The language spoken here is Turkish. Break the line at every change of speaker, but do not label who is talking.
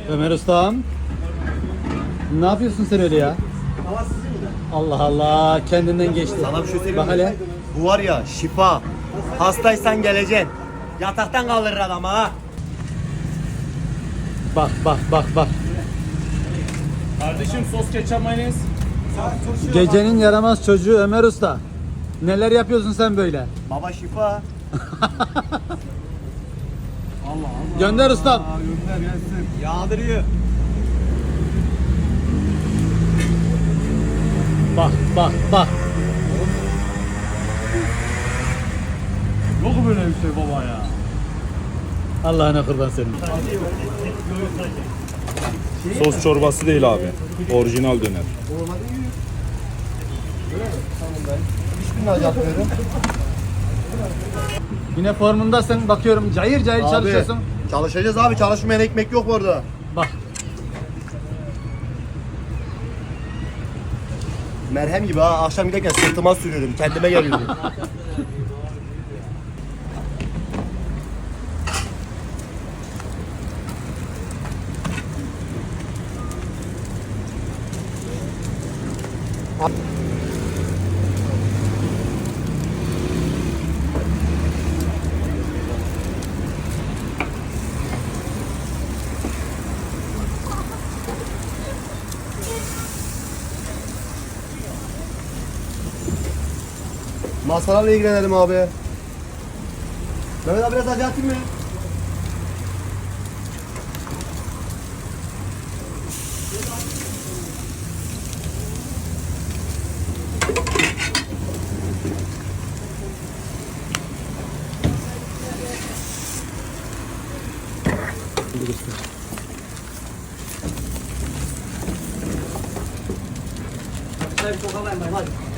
Ömer Ustam. Ne yapıyorsun sen öyle ya?
Hava sizin mi?
Allah Allah, kendinden geçti.
Sana bir şey söyleyeyim
Bak
mi?
hele.
Bu var ya şifa. Hastaysan geleceksin. Yataktan kaldırır adamı ha.
Bak bak bak bak.
Kardeşim sos ketçap mayonez.
Gecenin yaramaz çocuğu Ömer Usta. Neler yapıyorsun sen böyle?
Baba şifa.
Gönder ustam.
Gönder gelsin. Yağdırıyor.
Bak bak bak.
Yok böyle bir şey baba ya.
Allah'ına kurban senin.
Sos çorbası değil abi. Orijinal döner.
Hiçbirini acıtmıyorum.
Yine formundasın, bakıyorum cayır cayır çalışıyorsun.
Çalışacağız abi. Çalışmayan ekmek yok orada.
Bak.
Merhem gibi ha. Akşam giderken sırtıma sürüyorum. Kendime geliyorum. Masalarla ilgilenelim abi. Mehmet abi biraz acı atayım mı? Hadi çok alayım hadi.